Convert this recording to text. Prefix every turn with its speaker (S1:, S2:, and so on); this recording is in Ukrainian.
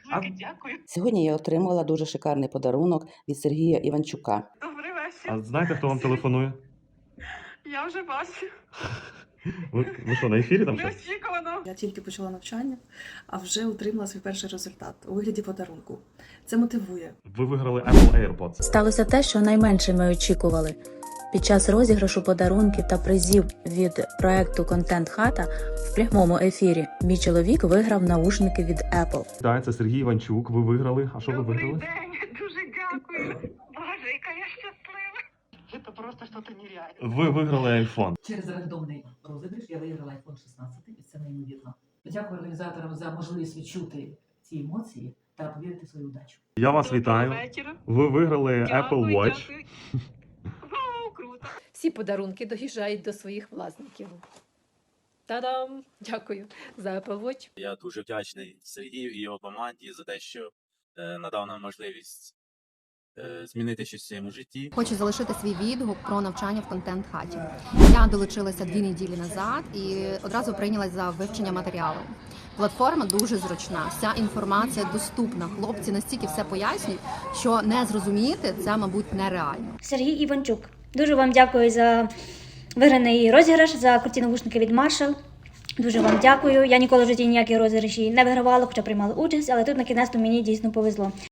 S1: Велике дякую.
S2: Сьогодні я отримала дуже шикарний подарунок від Сергія Іванчука.
S1: Добрий вечір.
S3: А знаєте, хто вам телефонує?
S1: Я вже бачу.
S3: Ви що, на ефірі там щось?
S1: Неочікувано.
S4: Я тільки почала навчання, а вже отримала свій перший результат у вигляді подарунку. Це мотивує.
S3: Ви виграли Apple AirPods.
S5: Сталося те, що найменше ми очікували. Під час розіграшу подарунків та призів від проекту «Контент Хата» в прямому ефірі мій чоловік виграв наушники від Apple.
S3: Так, це Сергій Іванчук. Ви виграли. А що ви
S1: Добрий
S3: виграли?
S1: день. Дуже дякую. Боже, яка я щаслива. Це просто щось нереальне.
S3: Ви виграли iPhone.
S6: Через рандомний розіграш я виграла iPhone 16, і це неймовірно. Дякую організаторам за можливість відчути ці емоції та повірити в свою удачу.
S3: Я вас
S1: Доброго
S3: вітаю.
S1: вечора.
S3: Ви виграли Apple
S1: Дякую,
S3: Watch.
S1: дякую. Вау, круто.
S7: Всі подарунки доїжджають до своїх власників. Та-дам! Дякую за Apple Watch.
S8: Я дуже вдячний Сергію і його команді за те, що надав нам можливість змінити щось в своєму житті.
S9: Хочу залишити свій відгук про навчання в контент-хаті. Я долучилася 2 неділі назад і одразу прийнялась за вивчення матеріалу. Платформа дуже зручна, вся інформація доступна. Хлопці настільки все пояснюють, що не зрозуміти це, мабуть, нереально.
S10: Сергій Іванчук. Дуже вам дякую за виграний розіграш, за круті навушники від Marshall. Дуже вам дякую. Я ніколи в житті ніякі розіграші не вигравала, хоча приймала участь, але тут на кінець мені дійсно повезло.